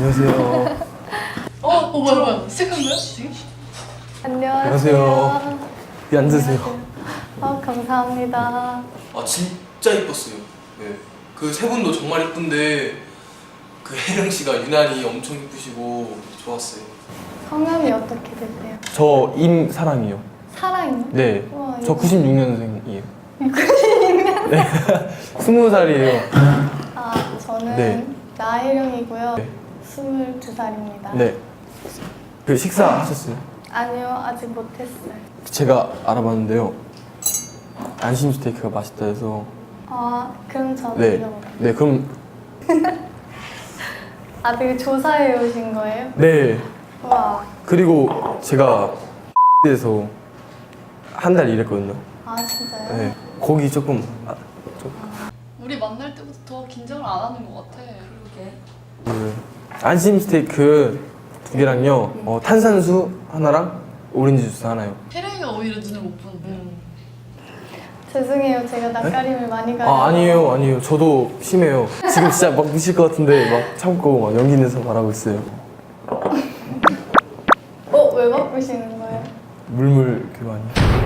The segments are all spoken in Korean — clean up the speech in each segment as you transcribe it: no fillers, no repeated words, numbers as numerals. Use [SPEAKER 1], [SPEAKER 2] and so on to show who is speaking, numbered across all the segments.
[SPEAKER 1] 안녕하세요.
[SPEAKER 2] 뭐야? 시작한 거야? 지금?
[SPEAKER 1] 안녕하세요. 네, 앉으세요.
[SPEAKER 3] 감사합니다.
[SPEAKER 4] 아 진짜 이뻤어요. 네. 그 세 분도 정말 이쁜데 그 혜령 씨가 유난히 엄청 이쁘시고 좋았어요.
[SPEAKER 3] 성함이 어떻게 되세요?
[SPEAKER 1] 저 임사랑이요.
[SPEAKER 3] 사랑이요?
[SPEAKER 1] 네.
[SPEAKER 3] 우와,
[SPEAKER 1] 저
[SPEAKER 3] 이거-
[SPEAKER 1] 96년생이에요. 96년? 네. 20살이에요.
[SPEAKER 3] 아, 저는
[SPEAKER 1] 네.
[SPEAKER 3] 나혜령이고요.
[SPEAKER 1] 네.
[SPEAKER 3] 22살입니다.
[SPEAKER 1] 네. 그 식사 하셨어요?
[SPEAKER 3] 아니요, 아직 못했어요.
[SPEAKER 1] 제가 알아봤는데요. 안심 스테이크가 맛있다 해서.
[SPEAKER 3] 아, 그럼 저는
[SPEAKER 1] 네.
[SPEAKER 3] 이거 먹을게요.
[SPEAKER 1] 네, 그럼
[SPEAKER 3] 아, 되게 조사해 오신 거예요?
[SPEAKER 1] 네.
[SPEAKER 3] 와,
[SPEAKER 1] 그리고 제가 에서 한 달 일했거든요.
[SPEAKER 3] 아 진짜요?
[SPEAKER 1] 네. 거기 조금
[SPEAKER 2] 우리 만날 때부터 더 긴장을 안 하는 것 같아. 그러게.
[SPEAKER 1] 그 안심 스테이크 2개랑요. 탄산수 하나랑 오렌지 주스 하나요.
[SPEAKER 2] 혜령이가 오히려 눈을 못 보는데.
[SPEAKER 3] 죄송해요, 제가 낯가림을 많이 가요.
[SPEAKER 1] 아, 아니에요. 저도 심해요. 지금 진짜 막 미칠 것 같은데 막 참고 막 용기 내서 말하고 있어요.
[SPEAKER 3] 왜 바꾸시는 거예요?
[SPEAKER 1] 물물 교환이.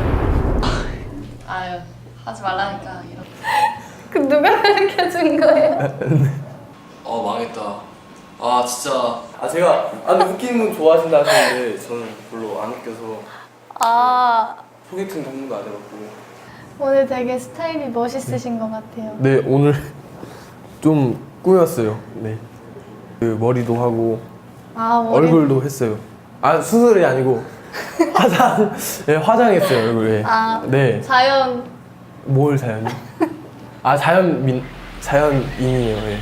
[SPEAKER 2] 아유, 하지 말라니까. 이런.
[SPEAKER 3] 그 누가 가르쳐 준 거예요?
[SPEAKER 4] 아 망했다. 아 진짜
[SPEAKER 1] 제가 근데 웃기는 분 좋아하신다 하시는데 저는 별로 안 웃겨서
[SPEAKER 3] 아,
[SPEAKER 1] 소개팅 전문도 안 해봤고.
[SPEAKER 3] 오늘 되게 스타일이 멋있으신 것 같아요.
[SPEAKER 1] 네, 오늘 좀 꾸몄어요. 네. 그 머리도 하고
[SPEAKER 3] 아, 머리.
[SPEAKER 1] 얼굴도 했어요. 아, 수술이 아니고 네, 화장했어요, 얼굴에.
[SPEAKER 3] 아,
[SPEAKER 1] 네.
[SPEAKER 3] 자연.
[SPEAKER 1] 뭘 자연이? 아, 자연인이에요. 예.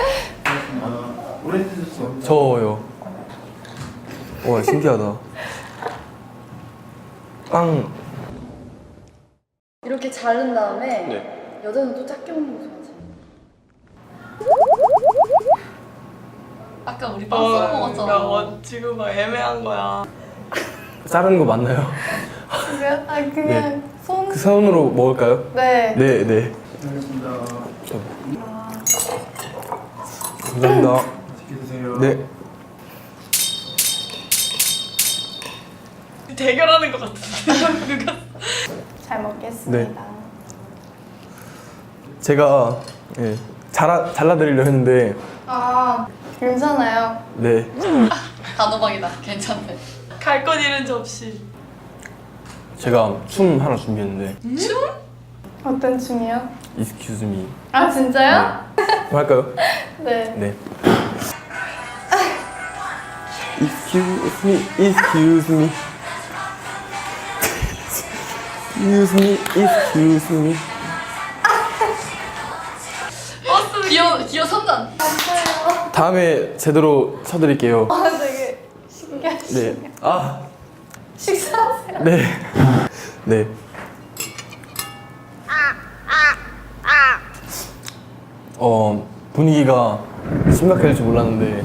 [SPEAKER 1] 저요. 와, 신기하다. 빵.
[SPEAKER 2] 이렇게 자른 다음에
[SPEAKER 1] 네.
[SPEAKER 2] 여자는 또 작게 먹는 거 좋아하지. 아까 우리 빵 썰어 먹었잖아.
[SPEAKER 5] 지금 막 애매한 거야.
[SPEAKER 1] 자르는 거 맞나요?
[SPEAKER 3] 그냥 손.
[SPEAKER 1] 그 손으로 먹을까요?
[SPEAKER 3] 네.
[SPEAKER 1] 네, 네. 감사합니다. 네.
[SPEAKER 5] 대결하는 것 같은데. 누가?
[SPEAKER 3] 잘 먹겠습니다.
[SPEAKER 1] 제가 잘라드리려 했는데
[SPEAKER 3] 아, 괜찮아요.
[SPEAKER 1] 네.
[SPEAKER 2] 단호박이다. 괜찮네.
[SPEAKER 5] 갈 건 잃은지 없이.
[SPEAKER 1] 제가 춤 하나 준비했는데
[SPEAKER 3] 어떤 춤이요?
[SPEAKER 1] Excuse me.
[SPEAKER 3] 아, 진짜요?
[SPEAKER 1] 그럼 할까요?
[SPEAKER 3] 네.
[SPEAKER 1] 네. Excuse me, excuse me. Excuse me, excuse me.
[SPEAKER 2] 기어 선단.
[SPEAKER 3] 감사해요.
[SPEAKER 1] 다음에 제대로 쳐드릴게요.
[SPEAKER 3] 아, 되게 신기하시네요.
[SPEAKER 1] 네. 아,
[SPEAKER 3] 식사하세요.
[SPEAKER 1] 네. 네. 분위기가 심각해질 줄 몰랐는데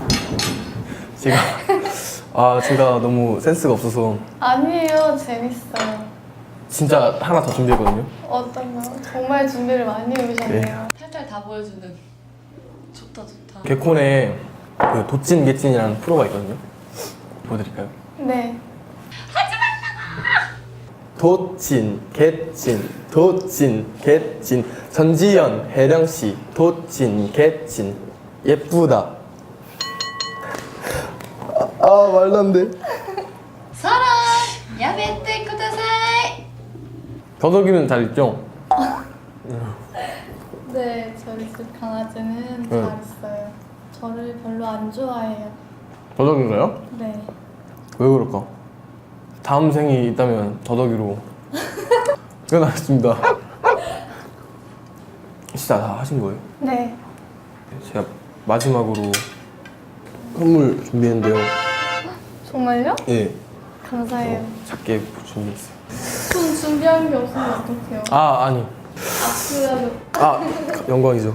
[SPEAKER 1] 제가 너무 센스가 없어서
[SPEAKER 3] 아니에요, 재밌어요.
[SPEAKER 1] 진짜 하나 더 준비했거든요.
[SPEAKER 3] 어떤 거? 정말 준비를 많이 해오셨네요.
[SPEAKER 2] 탈탈 다 보여주는. 좋다.
[SPEAKER 1] 개콘에 그 도찐 개찐이라는 프로가 있거든요. 보여드릴까요?
[SPEAKER 3] 네.
[SPEAKER 1] 도찐 개찐 도찐 개찐 전지현 혜령씨 도찐 개찐 예쁘다. 말도 안 돼.
[SPEAKER 2] 사랑 야메테 쿠다사이.
[SPEAKER 1] 더덕이는 잘 있죠?
[SPEAKER 3] 네, 저희 집 강아지는
[SPEAKER 1] 네.
[SPEAKER 3] 잘 있어요. 저를 별로 안 좋아해요.
[SPEAKER 1] 더덕인가요?
[SPEAKER 3] 네.
[SPEAKER 1] 왜 그럴까? 다음 생이 있다면 더덕이로 태어나겠습니다. 진짜 다 하신 거예요?
[SPEAKER 3] 네.
[SPEAKER 1] 제가 마지막으로 선물 준비했는데요.
[SPEAKER 3] 정말요?
[SPEAKER 1] 예,
[SPEAKER 3] 감사해요.
[SPEAKER 1] 작게 준비했어요.
[SPEAKER 3] 전 준비한 게 없으면 어떡해요?
[SPEAKER 1] 아니.
[SPEAKER 3] 그래도
[SPEAKER 1] 영광이죠.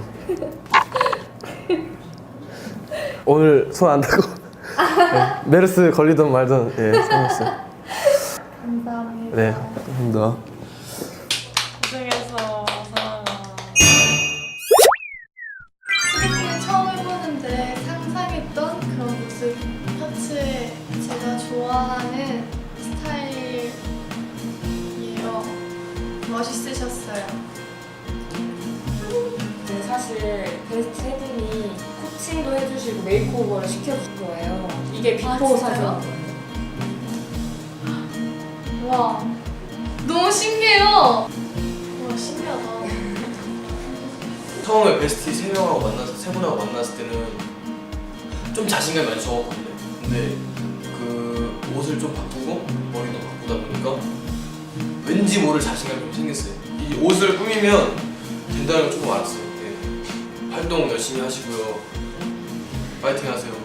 [SPEAKER 1] 오늘 손 안 닿고 메르스 걸리던 말던 생겼어요.
[SPEAKER 3] 감사합니다.
[SPEAKER 1] 네, 감사합니다.
[SPEAKER 5] 고생했어, 사랑아.
[SPEAKER 2] 소개팅을 처음 해보는데 상상했던
[SPEAKER 3] 멋있으셨어요.
[SPEAKER 6] 네, 사실 베스트 세 분이 코칭도 해주시고 메이크오버를 시켜줄 거예요. 이게 비포
[SPEAKER 3] 진짜요?
[SPEAKER 6] 사진.
[SPEAKER 3] 와, 너무 신기해요. 와, 신기하다.
[SPEAKER 4] 처음에 베스트 세 분하고 만났을 때는 좀 자신감이 많이 적었거든요. 근데 그 옷을 좀 바꾸고 머리도 바꾸다 보니까 왠지 모를 자신감이 좀 생겼어요. 이 옷을 꾸미면 된다는 걸 조금 알았어요. 네. 활동 열심히 하시고요. 파이팅 하세요.